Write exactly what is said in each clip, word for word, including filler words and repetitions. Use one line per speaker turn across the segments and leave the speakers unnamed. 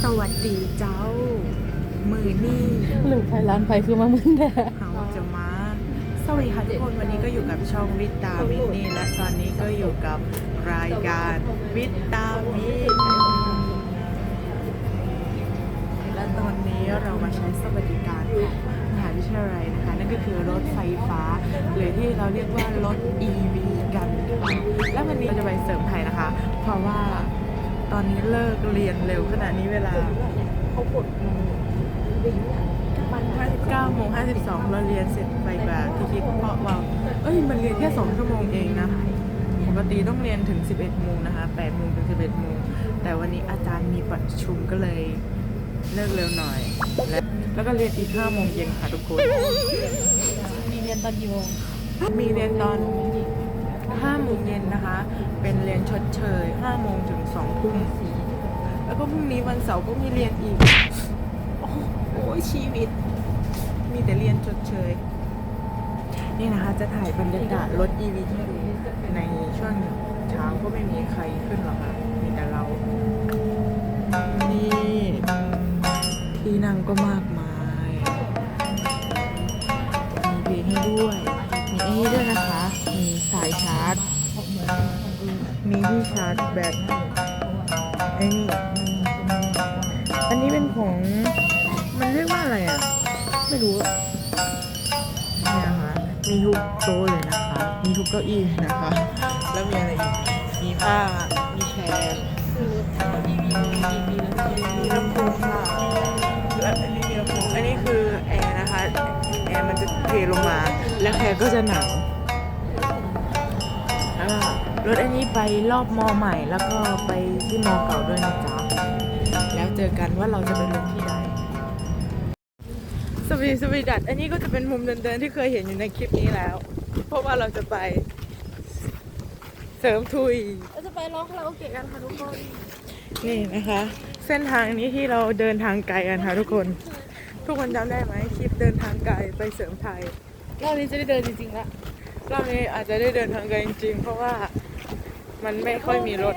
สวัสดีเจ้ามือนี่
หรือไฟร้านไฟคือมามึนแท้
เขาจะมาสวัสดีค่ะทุกคนวันนี้ก็อยู่กับช่องวิตามินนี่และตอนนี้ก็อยู่กับรายการวิตามินและตอนนี้เรามาใช้สวัสดิการของมหาวิทยาลัยนะคะนั่นก็คือรถไฟฟ้าหรือที่เราเรียกว่ารถ อี วี กันค่ะและวันนี้เราจะไปเสริมไทยนะคะเพราะว่าตอนนี้เลิกเรียนเร็วขนาดนี้เวลาห้าสิบเก้าโมงห้าสิบสองเราเรียนเสร็จไปแบบที่คิดเพราะว่าเอ้ยมันเรียนแค่สองชั่วโมงเองนะปกติต้องเรียนถึงสิบเอ็ดโมงนะคะแปดโมงถึงสิบเอ็ดโมงแต่วันนี้อาจารย์มีประชุมก็เลยเลิกเร็วหน่อยและแล้วก็เรียนอีกห้าโมงเย็นค่ะทุกคน
มีเรียนตอนกี่โมง
มีเรียนตอนห้าโมงเย็นนะคะเป็นเรียนชดเชยห้าโมงถึงสองทุ่มแล้วก็พรุ่งนี้วันเสาร์ก็มีเรียนอีกโอ้ยชีวิตมีแต่เรียนชดเชยนี่นะคะจะถ่ายบรรยากาศรถ อี วี ที่ดูในช่วงเช้าก็ไม่มีใครขึ้นหรอกค่ะมีแต่เรานี่ที่นั่งก็มากมายมีเพลงให้ด้วยมีไอ้นี่ด้วยนะคะมีสายชาร์จมีที่ชาร์จแบตไอ้นี่อันนี้เป็นของมันเรียกว่าอะไรอ่ะไม่รู้นี่นะคะมีทุกโต๊ะเลยนะคะมีทุกเก้าอี้นะคะแล้วมีอะไรอีกมีผ้ามีแชร์มีลำโพงค่ะและอันนี้มีลำโพงอันนี้คือแอร์นะคะแอร์มันจะเทลงมาแล้วแอร์ก็จะหนาวแล้วก็รถอันนี้ไปรอบมอใหม่แล้วก็ไปที่มอเก่าด้วยนะจ๊ะแล้วเจอกันว่าเราจะไปลงที่ใดสวีสวีดัตอันนี้ก็จะเป็นมุมเดินๆที่เคยเห็นอยู่ในคลิปนี้แล้วเพราะว่าเราจะไปเสริมทุย
เราจะไปร้องคาราโอเกะกันค่ะทุกคน
นี่นะคะเส้นทางนี้ที่เราเดินทางไกลกันค่ะทุกคนทุกคนจำได้ไหมคลิปเดินทางไกลไปเสริมไทย
รอบนี้จะได้เดินจริงๆแล้ว
รอบนี้อาจจะได้เดินทางไกลจริงๆเพราะว่ามันไม่ค่อยมีรถ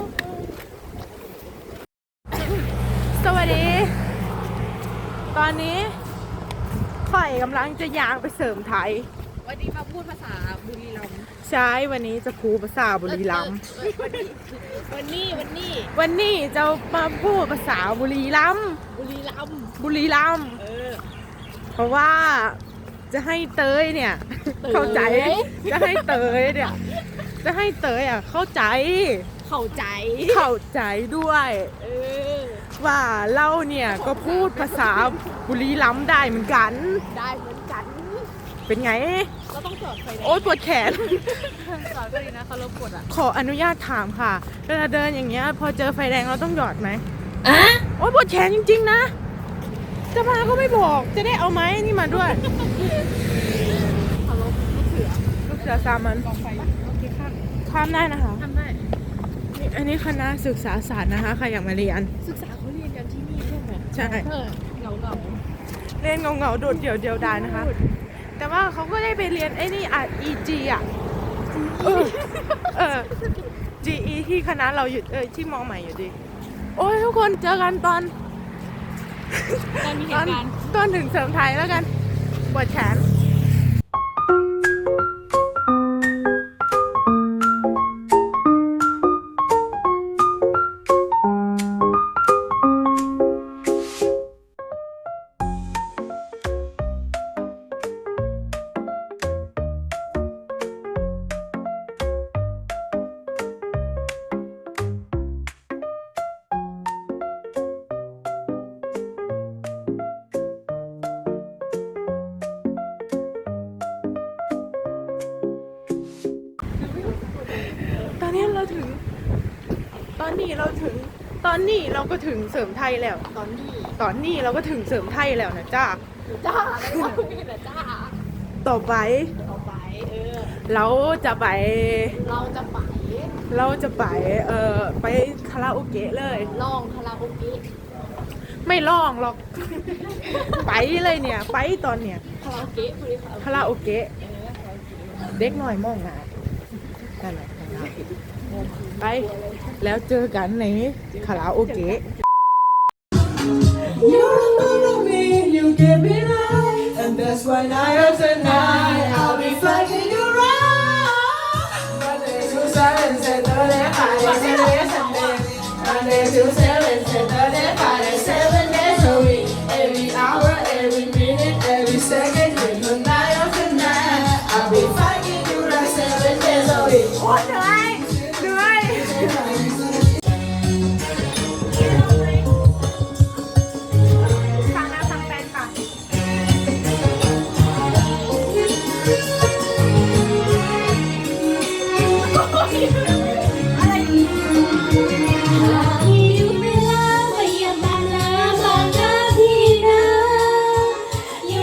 สวัสดีตอนนี้ข่อยกำลังจะย่างไปเสริมไทย
วันนี้มาพูดภาษาบุรีรัมย์
ใช่วันนี้จะพูดภาษาบุรีรัมย์
วันนี้วันนี้
วันนี้จะมาพูดภาษาบุรีรัมย์
บุรีรัมย์
บุรีรัมย์
เออ
เพราะว่าจะให้เตยเนี่ยเข้าใจจะให้เตยเนี่ยจะให้เตยอ่ะเข้าใจ
เข้าใจ
เข้าใจด้วย
เออ
ว่าเราเนี่ยก็พูดภาษาบุรีรัมย์ได้เหมือนกัน
ได้เหมือนกัน
เป็นไง
เราต้องจอดไฟแดง
โอ๊ยปวดแขน
จอดก็ดีนะเขารบกวนอ่ะ
ขออนุญาตถามค่ะเวลาเดินอย่างเงี้ยพอเจอไฟแดงเราต้องหยอดไหม
อ่ะ
โอ๊ยปวดแขนจริงๆนะจะมาก็ไม่บอกจะได้เอาไม้นี่มาด้วย
เคารพลูกเสือ
ลูกเสือสามัญ
กองไฟโอเคข้าม
ข้ามได้นะคะ
ข้ามได้
นี่อันนี้คณะศึกษาศาสตร์นะคะใครอยากมาเรียน
ศึกษาเขาเรียนกันที่นี่ใช่ไหม
ใช่
เงาเงา
เรียนเงาเงาโดดเดี่ยวเดียวดายนะคะแต่ว่าเขาก็ได้ไปเรียนไอ้นี่อ่ะ อี จี อ่ะเออเออ จี อี ที่คณะเราอยู่เออที่มอใหม่อยู่ดีโอ้ยทุกคนเจอกันตอน
ตอนมีเหตุการณ์
ตอนถึงเสริมไทยแล้วกันปวดแขนตอนนี้เราถึงตอนนี้เราถึงตอนนี้เราก็ถึงเสริมไทยแล้ว
ตอนนี้
ตอนนี้เราก็ถึงเสริมไทยแล้วนะจ้า
จ้าไม่มีแต่จ้า
ต่อไป
ต่อไปเออ
เราจะไป
เราจะไป
เราจะไปเอ่อไปคาราโอเกะเลย
ลองคาราโอเกะ
ไม่ลองหรอกไปเลยเนี่ยไปตอนเนี้ย
คาราโอเกะ
คาราโอเกะเด็กหน่อยมองหน้านั่นแหละไปแล้วเจอกันในคาราโอเกะ
You're the one of me, you give me life, and that's why night after night I'll be flying you round. Monday to Saturday, Saturday, Friday, Saturday, Sunday. Monday to Saturday, Saturday, Friday, seven days a week. Every hour, every minute, every second, every night after night I'll be flying you like seven days a week.
โอ้ยเหนื่อยเหนื่อยฟังนะฟังแฟนก่อน
อยู่เวลาพยายามตามน้ำบางนาทีนะอยู่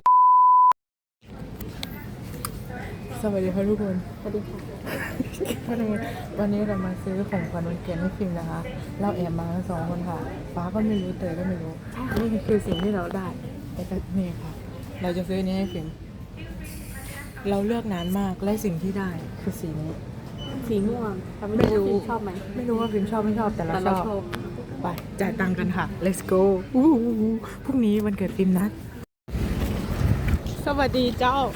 สวัสดีค่ะทุกคน สวัสดีค่ะ วันนี้เรามาซื้อของขวัญวันเกิดให้ฟิล์มนะคะ เราแอบมากันสองคนค่ะ ฟ้าก็ไม่รู้เตยก็ไม่รู้ นี่คือสิ่งที่เราได้แต่ก็นี่ค่ะ เราจะซื้ออนนี้ให้ฟิล์มเราเลือกนานมาก และสิ่งที่ได้คือสีนี้
สีม่วง
ไม่รู้
ชอบไหม
ไม่รู้ว่าฟิล์มชอบไม่ชอบแต่เรา
แต่
ช
เรา
อบ
ชอบ
ไป จ่ายตังค์กันค่ะ let's go อู้หูหูพรุ่งนี้วันเกิดฟิล์มนะ สวัสดีเจ้า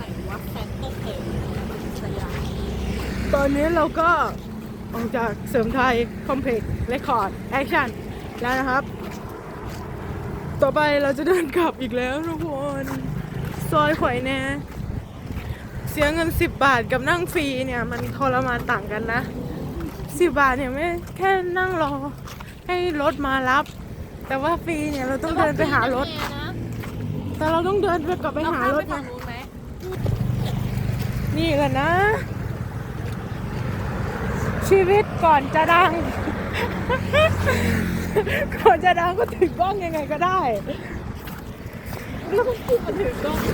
ตอนนี้เราก็ออกจากเสริมไทย คอมเพล็กซ์เรคคอร์ด แอคชั่น แล้วนะครับ ต่อไปเราจะเดินกลับอีกแล้วทุกคน ซอยข่อยแน่ เสียเงินสิบบาทกับนั่งฟรีเนี่ย มันทรมานต่างกันนะสิบบาทเนี่ยไม่แค่นั่งรอ ให้รถมารับ แต่ว่าฟรีเนี่ยเราต้องเดินไปหารถ แต่เราต้องเดินไปกลับไปหารถนะนี่แหละนะ ชีวิตก่อนจะดัง ก่อนจะดังก็ถือกล้องยังไงก็ได้แล้วก็พูดมาถือกล้อง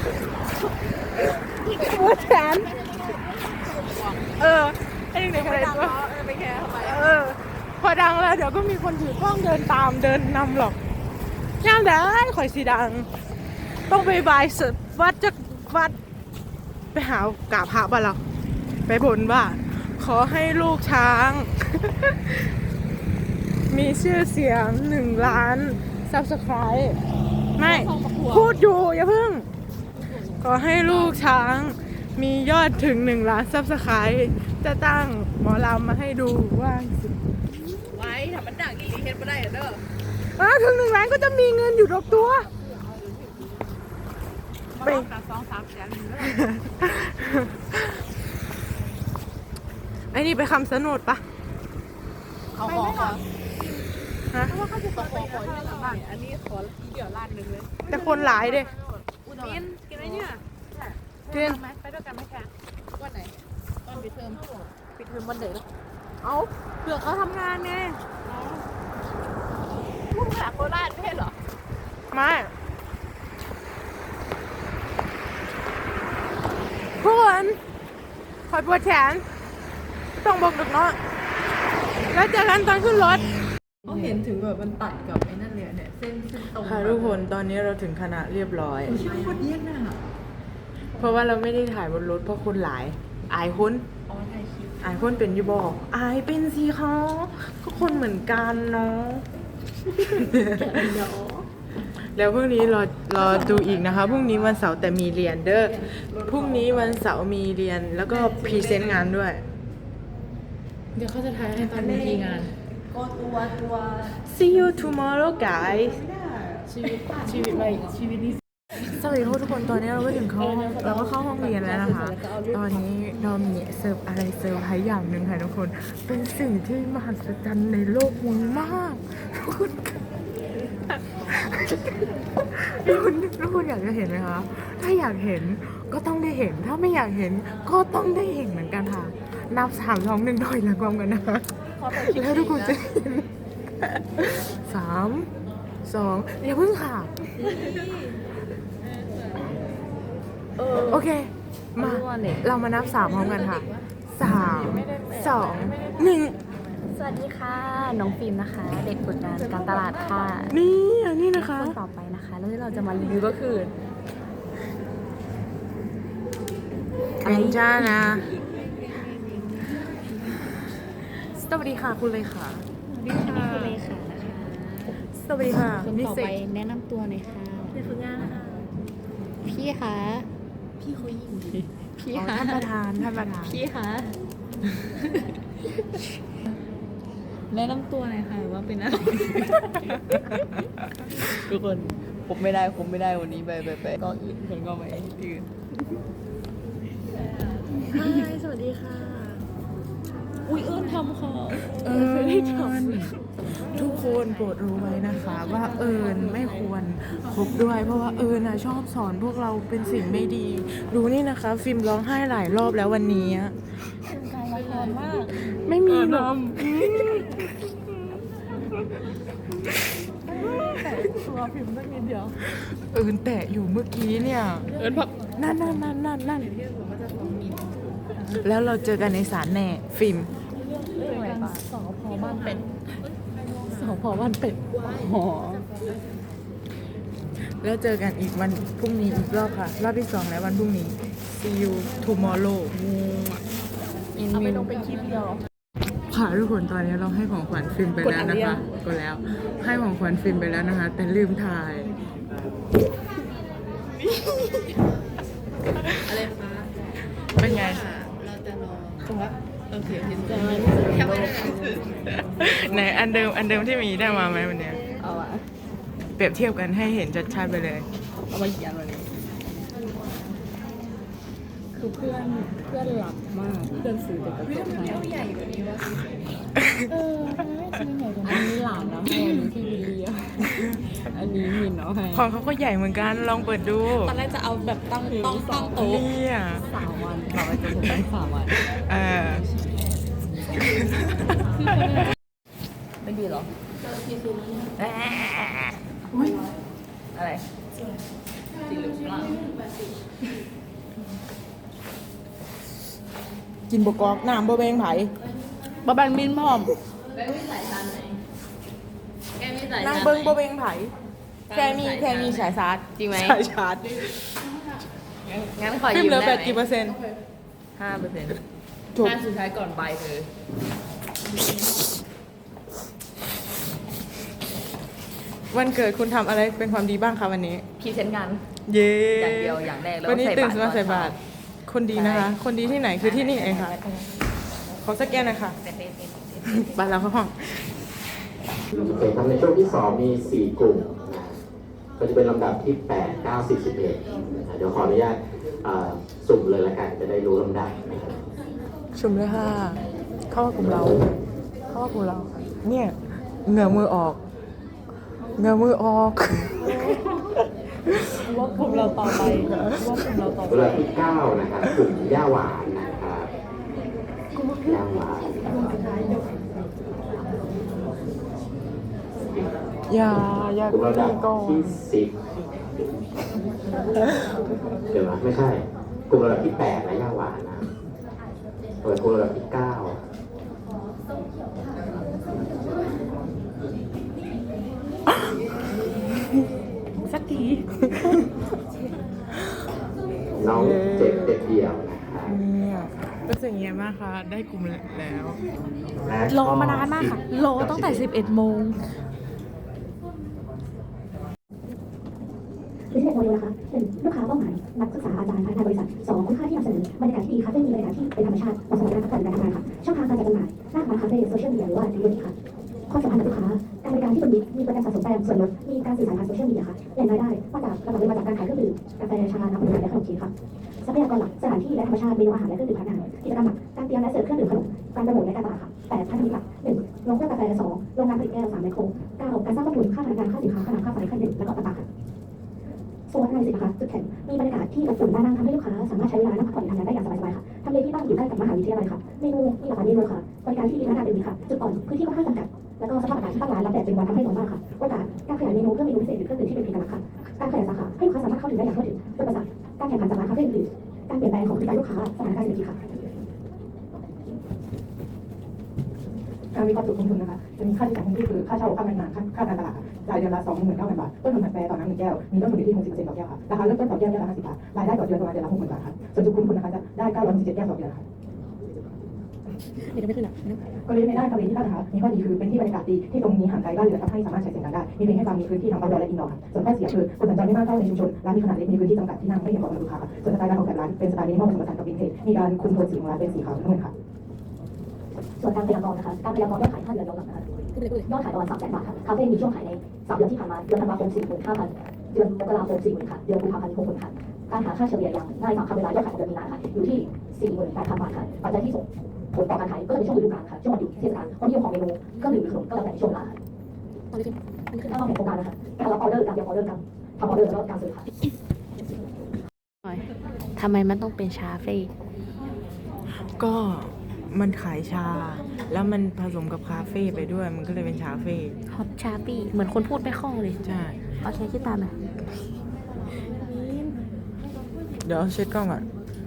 หัวแขนเออไอ้เด็กอะไรตัวเออไปแค่ทำไมเออพอดังแล้วเดี๋ยวก็มีคนถือกล้องเดินตามเดินนำหรอกย่างได้ข่อยสีดัง ต้องไปบายสวัดจากวัดไปหากราบพระบ้านเราไปบนว่าขอให้ลูกช้าง มีชื่อเสียงหนึ่งล้านซับสไครต์ไม่พูดอยู่อย่าเพิ่ง ขอให้ลูกช้างมียอดถึงหนึ่งล้านซับสไครต์จะตั้งหมอลำมาให้ดูว่าสิ
ไว้ทำมันดังอีหลีเฮ็ดบ่ได้เด้อ
อ่ะถึงหนึ่งล้านก็จะมีเงินอยู่ดอกตัวไป
สองสามแสน
ไอ้นี่ไปคำสนุดปะ
เขาขอขอ
ฮะ
เพราะว่าเขาจะขอขอขอที่บ้านอันนี้ขอเดี๋ยวล้านหนึ่งเลย
แต่คนหลายเด้
กินกินไหมเนี่ย
กิน
ไหมไปด้วยกันไหมคะวันไหนตอนปิดเทอมปิดเทอมวันไหนล่ะเอาเผื่อเขาทำงานไงพุ่งจากโคราชไม่ใช่เหรอ
ไม่ทุกคนคอยปวดแขนไม่ต้องบอกดึกเนาะแล้วเจอกันตอนขึ้นรถ
เขาเห็นถึงแบบมันตัดกับไอ้นั่นเลยเนี่ยเส้นเส้นตรง
ค่ะทุกคนตอนนี้เราถึงคณะเรียบร้อย
ชื่อโคตรเยี่ยมน่ะ
เพราะว่าเราไม่ได้ถ่ายบนรถเพราะคนหลาย อายคน
อ๋อถ่ายคลิป
อายคนเป็นอยูบอกอายเป็นสิเขาก็คนเหมือนกันเนาะ
เดี๋ยว
แล้วพรุ่งนี้รอรอดูอีกนะคะพรุ่งนี้วันเสาร์แต่มีเรียนเด้อพรุ่งนี้วันเสาร์มีเรียนแล้วก็พรีเซนต์งานด้วย
เดี๋ยวเขาจะถ่ายให้ตอนมีทีงาน ก็ตัวตัว
See you tomorrow guys
ชีวิตชีวิตใหม่ชีวิตนี้
สวัสดีทุกคนตอนนี้เราก็ถึงเข้าเราก็เข้าห้องเรียนแล้วนะคะ ตอนนี้เรามีเสิร์ฟอะไรเสิร์ฟให้อย่างหนึ่งค่ะทุกคนเป็นสิ่งที่มหัศจรรย์ในโลกมึงมากทุกคนทุกคนทุกคนอยากจะเห็นไหมคะถ้าอยากเห็นก็ต้องได้เห็นถ้าไม่อยากเห็นก็ต้องได้เห็นเหมือนกันค่ะนับสามสองหนึ่งหน่อยละความกันนะคะแล้วทุกคนจะเห็นสามสองอย่าเพิ่งค่ะโอเค มาเรามานับสามพร้อมกันค่ะสามสองหนึ่ง
สวัสดีค่ะ น้องฟิล์มนะคะ เด็กฝึกงานการตลาดค่ะ
นี่อันนี้นะคะ
คนต่อไปนะคะแล้วที่เราจะมารีวิวก็คือ
เป็นจ้านะสวัสดีค่ะคุณเลยค่ะ
นี่คือเลขานะคะ
สสวัสดีค่ะ
คน
มิ
ต่อ
เศ
ไป
ษ
แนะนำตัวหน่อยค่ะ
เป็นฝึกงานนะคะ
พี่คะ
พี่เขายิง
พี่
อ๋อ
คะ
ท่านประธานท่านประธาน
พี่คะแนะนำตัวหน่อยค่ะว่าเป็นอะไร
ทุกคนผมไม่ได้ผมไม่ได้วันนี้ไปไปไปก็อื่นคนก็ไปอื่น
ใช่สวัสดีค่ะ
อุ้ยเอิญทำค่ะ
เอิญทุกคนโปรดรู้ไว้นะคะ ว่าเอิญไม่ควรคบด้วย เพราะว่าเอิญน่ะชอบสอนพวกเราเป็นสิ่งไม่ดี ดูนี่นะคะ ฟิล์มร้องไห้หลายรอบแล้ววันนี้อะ
เป็นการละครมาก
ไม่มีหรอก
แต่ตัวพิมพ์สักนิดเดียว
เอิญแตะอยู่เมื่อกี้เนี่ย
เอิญพัก
นั่นนั่นนั่นนั่นนั่นแล้วเราเจอกันในศาลแน่ฟิล์ม
เรื่องอะไรปะ
สอพอบ้านเป็ดสอพอบ้านเป็ดอ๋อ
แล้วเจอกันอีกวันพรุ่งนี้อีกรอบค่ะ รอบที่สองแล้ววันพรุ่งนี้ see you tomorrow
เอาไปลงเป็นคลิปเดียว
ค่ะทุกคนตอนนี้เราให้ของขวัญฟิล์มไปแล้วนะคะก็แล้ว ให้ของขวัญฟิล์มไปแล้วนะคะ แต่ลืมถ่าย
อะไรคะ
เป็นไง
เราจะรอครับโอเคโอเค
จะมา
แค่ไม่ได้
ไหนอันเดิมอันเดิมที่มีได้มาไหมวันเนี้ย
เอาอะ
เปรียบเทียบกันให้เห็นชัดๆไปเลย
เอามาเขียนวันนี้คือเพื่อนเพื่อนหลับมากเพื่อนซื้อแต่กระจกให้
ใหญ่กว่านี้วะ
เออทำไมไม่ซื้อใหญ่กว่านี้อันนี้หลานนะให้อันนี้ที่วิลเลียมอันนี้มินเอาให้
ของเขาก็ใหญ่เหมือนกันลองเปิดดู
ตอนแรกจะเอาแบบตั้งต้องตั้งโต๊ะ
เนี่ย
สามวันเราไปจนถึงตั้งสามวัน
เออ
ไม่ดีหรอ
อะไร
จริงหรือเปล่า
กินบกอกน้ำบะเบงไผ่
บะแบงมินพร้อม
แกมีสายชาร์จไหนแกมีสาย
นั่ง
ชาร์จ
เบิ้ง
ไหน
บะเบงไผ่แค่มีแค่มีสายชาร์จ
จริงไหม
สายชาร์จ
งั้นขอ
ฟิล์
ยื
ม
ม
เหลือ
ได้
แบต
ไหม
กี่เปอร์เซ็นต์
ห้าเปอร์เซ็นต์
จบ
ห้าสุดท้ายก่อนไปเธอ
วันเกิดคุณทำอะไรเป็นความดีบ้างคะวันนี้
พรีเซนต์งาน
เย้
อย่างเดียวอย่างแรกแล้ว
วันนี้
ใส่
ตื่
บาน ตร
มาใส่บาตร
ตอนเช้
คนดีนะคะ คนดีที่ไหนคือที่นี่เองค่ะ ขอสแกนหน่อยค่ะบาตรเราเข้าห้อง
โอเคครับในช่วงที่สองมี สี่ กลุ่มนะก็จะเป็นลำดับที่ แปด เก้า สิบ สิบเอ็ดนะเดี๋ยวขออนุญาตอ่าสุ่มเลยละกัน จะได้รู้ลำดับนะครับ
ชุมเลยค่ะ เข้ามากลุ่มเรา เข้ามากลุ่มเรา เนี่ยเหงื่อมือออก เหงื่อมือออก
ว่ากลุ่มเราต่อไปว่ากลุ่มเราต่อไป
ลำดับที่ เก้า นะครับกลุ่มย่าหวานนะครับย่าหวาน
อย่า อย่าก
ลุ่มระดับ
ก่อน
ที่ สิบ เดี๋ยวนะไม่ใช่ กลุ่มระดับที่ แปด นะย่าหวานนะเปิดกลุ่มระดับที่ เก้า
สักที
น้องเจ็บเด็กเดี่ยวนะครับ
เนี่ยรู้สึกยังไงบ้างคะ ได้กลุ่มแล้ว
และก็
รอมานานมากค่ะ รอตั้งแต่สิบเอ็ดโมง
คือที่เด็กโมเดลนะคะหนึ่งลูกค้าเป้าหมายนักศึกษาอาจารย์พนักงานบริษัทสองคุณค่าที่นำเสนอบรรยากาศที่ดีคาเฟ่มีบรรยากาศที่เป็นธรรมชาติเหมาะสำหรับการพัฒนาการทำงานค่ะช่องทางการจัดจำหน่ายหน้าร้านคาเฟ่โซเชียลมีเดียหรือว่าดิลิเวอรี่ค่ะความสัมพันธ์กับลูกค้าการบริการที่เป็นมิตรมีโปรแกรมสะสมแต้มส่วนลดมีการสื่อสารทางโซเชียลมีเดียค่ะแหล่งรายได้มาจากระดับเงินมาจากการขายเครื่องดื่มกาแฟชาน้ำผลไม้และขนมจีนค่ะทรัพยากรหลักสถานที่และธรรมชาติเมนูอาหารและเครื่องดื่มพนักงานกิจกรรมหลักการเตรียมและเสิร์ฟเครื่องดื่มขนมการโปรโมทและการตลาดค่ะแปดพันธมิตรหลักหนึ่งโรงเครื่องกาแฟสองโรงงานผลิตแก้วสามไมโครเก้าการสร้างต้นทุนค่าพนักงานค่าสินค้าค่าน้ำค่าไฟค่าเน็ตและก็ต่างๆค่ะ โซนในสินค้าจุดแข็งมีบรรยากาศที่อบอุ่นน่านั่งทำให้ลูกค้าสามารถใช้เวลานั่งพักผ่อนทำงานได้อย่างสบายๆค่ะทำเลที่ตั้งอยู่ใกล้กับมหาวิทยาลัยค่ะเมนูมีหลากหลายเมนูค่ะบริการที่ดีพนักงานเป็นดีค่ะจุดอ่อนพื้นที่ค่อนข้างจำกัดแล้วก็สภาพอากาศที่ตั้งร้านรับแดดเป็นวันทำให้ร้อนมากค่ะโอกาสการขยายเมนูเพิ่มเมนูพิเศษหรือเครื่องดื่มที่เป็นเอกลักษณ์ค่ะการขยายสาขาให้ลูกค้าสามารถเข้าถึงได้อย่างทั่วถึงอุปสรรคการแข่งขันจากร้านคาเฟ่อื่นๆการเปลี่ยนแปลงของพฤติกรรมลูกค้าสถานการณ์เศรษฐกิจค่ะ
การวิเคราะห์จุดลงทุนนะคะจะมีค่าใช้จ่ายคงที่คือค่าเช่าค่าพนักงานค่าค่าการตลาดค่ะรายเดือนละสองหมื่นเก้าพันบาทต้นทุนกาแฟต่อน้ำหนึ่งแก้วมีต้นทุนอยู่ที่หกสิบเปอร์เซ็นต์ต่อแก้วค่ะราคาเริ่มต้นต่อแก้วแก้วละห้าสิบบาทรายได้ต่อเดือนประมาณเดือนละหกหมื่นบาทค่ะส่วนจุดคุ้มทุนนะคะจะได้เก้าร้อยสิบเจ็ดแก้วต่อเดือนค่ะ
เดี๋ยวจะไม่ขึ้นอ่ะ
กลยุทธ์ในด้านทำเลที่ตั้งนะคะมีข้อดีคือเป็นที่บรรยากาศดีที่ตรงนี้ห่างไกลบ้านเรือนทำให้สามารถใช้เสียงดังได้มีเพลงให้ฟังมีพื้นที่ทั้ง outdoor และ indoor ค่ะส่วนข้อเสียคือคนสัญจรไม่มากเข้าในชุมชนร้านมีขนาดเล็กมีพื้นที่จำกัดที่นั่งไม่เพียงพอสำหรับลูกค้าค่ะส่วนสไตล์การออกแบบร้านเป็นสไตล์มินิมอลผสมผสานกับวินเทจมีการคุมโทนสีของร้านเป็นสีขาวทั้งหมดค่ะ
ส่วนการพยากรณ์นะคะการพยากรณ์ยอดขายห้าเดือนย้อนหลังนะคะ
ขึ้นเลยขึ้นเลย
ยอดขายประมาณสามแสนบาทค่ะคาเฟ่มีช่วงขายในสามเดือนที่ผ่านมาเดือนธันวาคมสี่หมื่นห้าพันเดือนมกราคมสี่หมื่นค่ะเดือนกุมภาพันธ์หกหมื่นค่ะการหาค่าเฉลี่ยอย่างง่ายมากค่ะเวลายอดขายของเดือนมีนาค่ะอยู่ที่สี่หมื่นแปดพันบาทค่ะปัจจัยที่ส่งผลต่อการขายก็จะเป็นช่วงฤดูกาลค่ะช่วงวันหยุดเทศกาลความนิยมของเมนูเครื่องดื่มหรือขนมก็แล้วแต่ในช่วงเวลาค่ะ
ตอนนี้ขึ้นอันนี้ขึ้น
ถ้าเราเห็นโครงการนะคะการรับออเดอร์การเตรียมออเดอร์การทำออเดอร์แล้วก็การซื้อค่ะ
ทำไมมันต้องเป็นชาเฟ่
ก็มันขายชา แล้วมันผสมกับคาเฟ่ไปด้วย มันก็เลยเป็นชาเฟ่
ฮอตชาปี้เหมือนคนพูดไม่คล่องเลย
ใช่
เอาใช้คิดตามหน่อย
เดี๋ยวเช็ดกล้องก่อน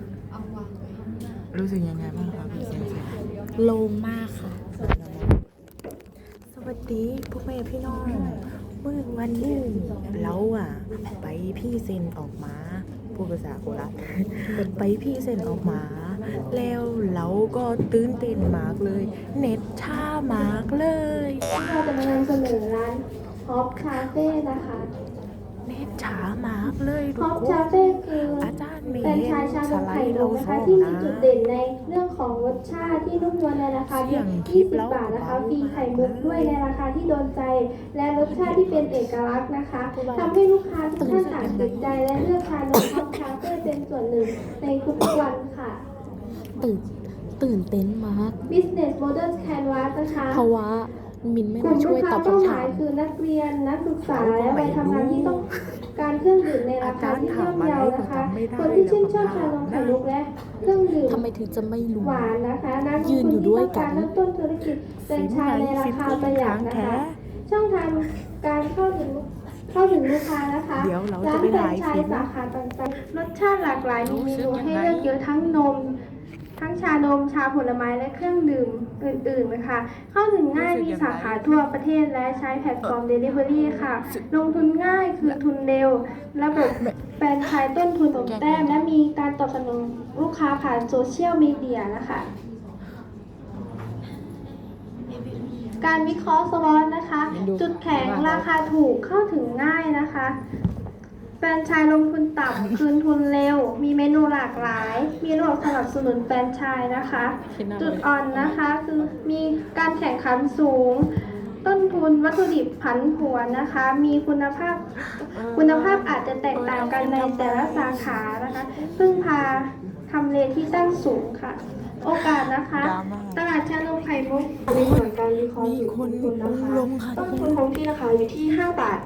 รู้สึกยังไงบ้างครับพี่เซนเซ
โล่งมากค่ะ
สวัสดีพวกแม่พี่น้องเมื่อวันนี้เราอ่ะ ไปพี่เซนออกมาพูดภาษาโคราช ไปพี่เซนออกมา แล้วเราก็ตื่นเต้นมากเลย เน็ตช้ามากเลย
เราจะมานำเสนอร้านฮอปคาเฟ่นะคะ
เน็ตช้ามากเลย
ฮ
ทุ
อก ป
ค
คาน เฟ่คือ
อาจารย์เม
เป็น
ย์
ชายชา
ส
นม
ไล
ไข่
ด์
น
เรา
มนะ
ส่
คะ
ง
ที่มี
นะ
จุดเด่นในเรื่องของรสชาติที่นุ่มนวลในราคาเพียงยี่สิบบาทนะคะฟรีไข่มุกด้วยในราคาที่โดนใจ และรสชาติที่เป็นเอกลักษณ์นะคะทำให้ลูกค้าทุกท่านต่างติดใจและเลือกทานนมฮอปคาเฟ่เป็นส่วนหนึ่งในทุกวันค่ะ
ตื่น ตื่นเต้นมาก
Business Model Canvas นะคะ
เพราะว่ามินไม่
กลุ่
ได้
ม
ช่
ลู
วย
กค้า
ตอบ
เป้า
คำ
ห
ถาม
ายคือนักเรียนนักศึกษาและวัยทำงานที่ต้องการเครื่องดื่มในราคาที่ย่อมเยานะคะ คนที่ชื่นชอบชานมไข่มุกและเครื่องดื่ม
ทำไมถึงจะไม่รู้
หวานนะคะนักลง
ยืน
ทุน
อยู่
ที่
ด้ว
ต้
ย
อง
กั
การ
น
เริ่มต้นธุรกิจเป็นชายในราคาประหยัดนะคะ ช่องทางการเข้าถึงเข้าถึงลูกค้านะคะ
เดี๋ยวเรา
ร้า
จะ
น
ไป
แฟร
ไล
น
ฟ์
ไช
ฟิ
ส์
ล์ม
สาขาต่างๆรสชาติหลากหลายมีเมนูให้เลือกเยอะทั้งนม ทั้งชานม ชาผลไม้และเครื่องดื่มอื่นๆนะคะ เข้าถึงง่ายมีสาขาทั่วประเทศและใช้แพลตฟอร์ม Delivery ค่ะ ลงทุนง่ายคืนทุนเร็ว ระบบแฟรนไชส์ต้นทุนสมแต้มและมีการตอบสนองลูกค้าผ่านโซเชียลมีเดียนะคะ การวิเคราะห์สวอตนะคะ จุดแข็งราคาถูกเข้าถึงง่ายนะคะ แฟรนไชส์ลงทุนต่ำ คืนทุนเร็ว มีเมนูหลากหลาย มีระบบสนับสนุนแฟรนไชส์นะคะ จุดอ่อนนะคะคือมีการแข่งขันสูง ต้นทุนวัตถุดิบผันผวนนะคะ มีคุณภาพคุณภาพอาจจะแตกต่างกันในแต่ละสาขานะคะพึ่งพาทำเลที่ตั้งสูงค่ะ โอกาสนะคะ ตลาดชานมไข่มุกในส่วนการวิเคราะห์
มีคน
ต้นทุนนะคะ
ลงค่ะ
ต้นทุนของที่นะคะอยู่ที่ห้าบาท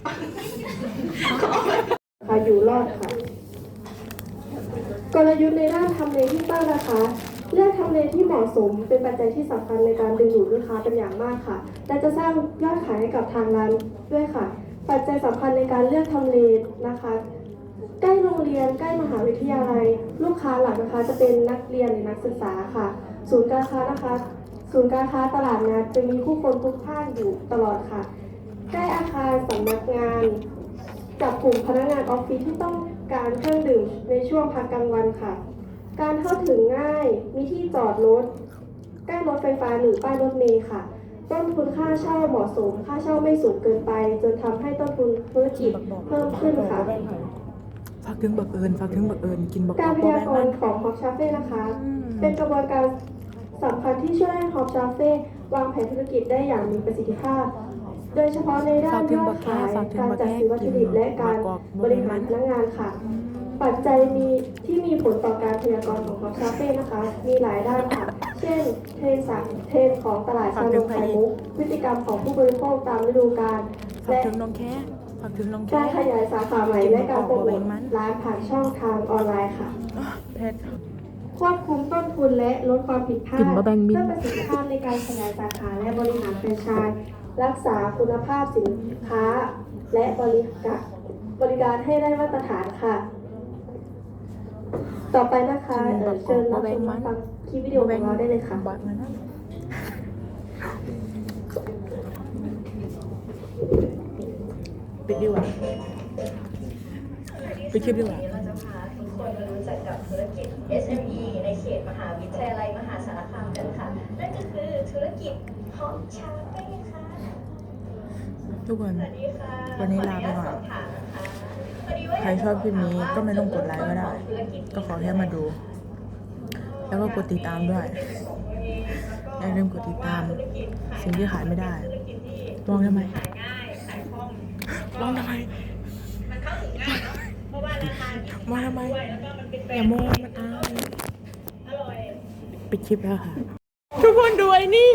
ค่ะอยู่รอดค่ะ กลยุทธ์ในด้านทำเลที่ตั้งนะคะ เลือกทำเลที่เหมาะสมเป็นปัจจัยที่สำคัญในการดึงดูดลูกค้าเป็นอย่างมากค่ะ และจะสร้างยอดขายให้กับทางร้านด้วยค่ะ ปัจจัยสำคัญในการเลือกทำเลนะคะ ใกล้โรงเรียนใกล้มหาวิทยาลัย ลูกค้าหลักนะคะจะเป็นนักเรียนหรือนักศึกษาค่ะ ศูนย์การค้านะคะ ศูนย์การค้าตลาดนัดจะมีผู้คนพลุกพล่านอยู่ตลอดค่ะ ใกล้อาคารสำนักงาน จับกลุ่มพนักงานออฟฟิศที่ต้องการเครื่องดื่มในช่วงพักกลางวันค่ะ การเข้าถึงง่าย มีที่จอดรถ ใกล้รถไฟฟ้าหรือป้ายรถเมล์ค่ะ ต้นทุนค่าเช่าเหมาะสม ค่าเช่าไม่สูงเกินไป จนทำให้ต้นทุนธุรกิจเพิ่มขึ้นค่ะ
ฝากถึงบักเอิญฝากถึงบักเอิญกินบัก
การพ
บั
ยากรณ์ของฮอปชาเฟ่นะคะ
อืม
เป็นกระบวนการสำคัญที่ช่วยให้ฮอปชาเฟ่วางแผนธุรกิจได้อย่างมีประสิทธิภาพ โดยเฉพาะในด้านยอดขาย การจัดซื้อวัตถุดิบและการบริหารพนักงานค่ะ ปัจจัยมีที่มีผลต่อการพยากรณ์ของฮอปชาเฟ่นะคะ มีหลายด้านค่ะ เช่น เทรนด์สักเทรนด์ของตลาดชานมไข่มุก พฤติกรรมของผู้บริโภคตามฤดูกาล
ฝาก
และ
ถึงน้องแค่ฝากถึงน้องแค่
การขยายสาขาใหม่และการโปรโมทร้านผ่านช่องทางออนไลน์ค่ะ
เพชร
ควบคุมต้นทุนและลดความผิดพลาด
กลิ่นมะแบงมิ้น
เพื่อประสิทธิภาพในการขยายสาขาและบริหารแฟรนไชส์รักษาคุณภาพสินค้า และบริการบริการให้ได้มาตรฐานค่ะ ต่อไปนะคะเอ่อเชิญรับชมรับฟังคลิปวิดีโอของเราได้เลยค่ะ
บักนะปิดดีกว่าปิดคลิปดีกว่า
เราจะพาทุกคนมารู้จักกับธุรกิจ เอส เอ็ม อี ในเขตมหาวิทยาลัยมหาสารคามกันค่ะธุรกิจของชาเป้ค่ะ
ทุกคน
สวัสดีค่ะ
วันนี้ลาไปก่อน
ขออญาตสอบถามนะคะพอดีว่า
ใครชอบคลิปนี้ก็ไม่ต้องกดไลค์ก็ได้ ก็ขอแค่มาดู แล้วก็กดติดตามด้วย อย่าลืมกดติดตาม สิ่งที่ขายไม่ได้ มองทำไม
ง่ายขายคล่อง
มองทำไม
มันเข้าถึงง่ายเนาะเพราะว่าราคายี่สิบ
มองทำไม
ด้วยแล้วก็มันเป็นแบร
อย่าน
ด์
มองมันอาย
อร่อย
ปิดคลิปแล้วค่ะ ทุกคนดูไอ้นี่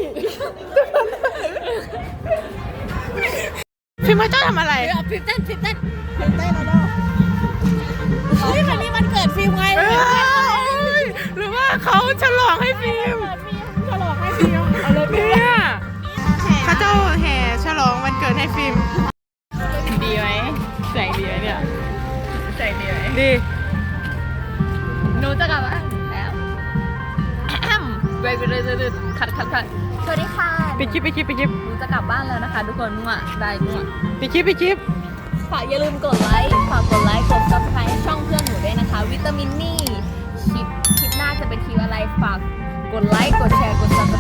พี่มาเจ้าทำอะไร
ฟิล์มเต้นฟิล์มเต้นฟิล์มเต้นแล้วเนาะเฮ้ยคันนี้มันเกิดฟิล์มไง
เอ้ยหรือว่าเขาฉลองให้ฟิล์ม
ฉลองให้ฟิล์มเอาเลย
เนี่ยเขาเจ้าแห่ฉลองวันเกิดให้ฟิล์ม
ดีไหมแสงดีไหมเนี่ยแสงดีไหม
ดี
หนูจะกลับบ้านแล้วแอมเบรกเลยเลยคัดคัดคัดสวัสดีค่ะ
ปิดคลิปปิดคลิปปิดคลิป
หนูจะกลับบ้านแล้วนะคะ ทุกคนมั่วได้มั่ว
ปิดคลิปปิดคลิป
ฝากอย่าลืมกดไลค์ ฝากกดไลค์ กด ซับสไครบ์ ให้ช่องเพื่อนหนูด้วยนะคะ วิตามินนี่ คลิป คลิปหน้าจะเป็นคลิปอะไร ฝากกดไลค์ กดแชร์ กด ซับส